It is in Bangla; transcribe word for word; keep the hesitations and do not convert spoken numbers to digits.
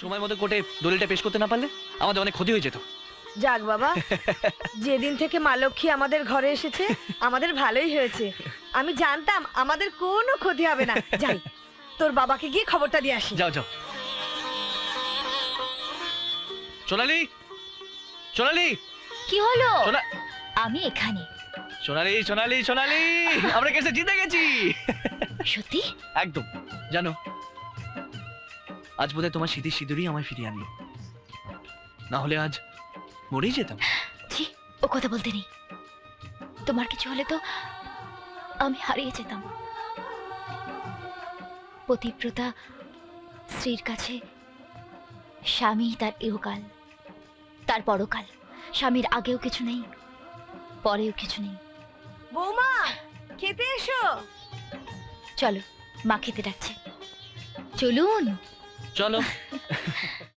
সময় মতো কোর্টে দলিলটা পেশ করতে না পারলে আমাদের অনেক ক্ষতি হয়ে যেত। যাক বাবা, যেদিন থেকে মা লক্ষ্মী আমাদের ঘরে এসেছে আমাদের ভালোই হয়েছে। আমি জানতাম আমাদের কোনো ক্ষতি হবে না। যাই, তোর বাবাকে গিয়ে খবরটা দিয়ে আসি। যাও যাও। সোনালি, সোনালি, কি হলো? সোনা- আমি এখানে। সোনালি, সোনালি, সোনালি, আমরা কেসে জিতে গেছি। সত্যি? একদম। জানো, আজ বোধহয় তোমার স্মৃতির সিঁদুরই আমায় ফিরিয়ে আনলো, না হলে আজ মরেই যেতাম। ছি, ও কথা বলতে নেই। তোমার কিছু হলে তো আমি হারিয়ে যেতাম। পতিব্রতা স্ত্রীর কাছে স্বামী তার ইহকাল, তার পরকাল। স্বামীর আগেও কিছু নেই, পরেও কিছু নেই। বৌমা, খেতে এসো। চলো, মা খেতে ডাকছে। চলুন। চলো।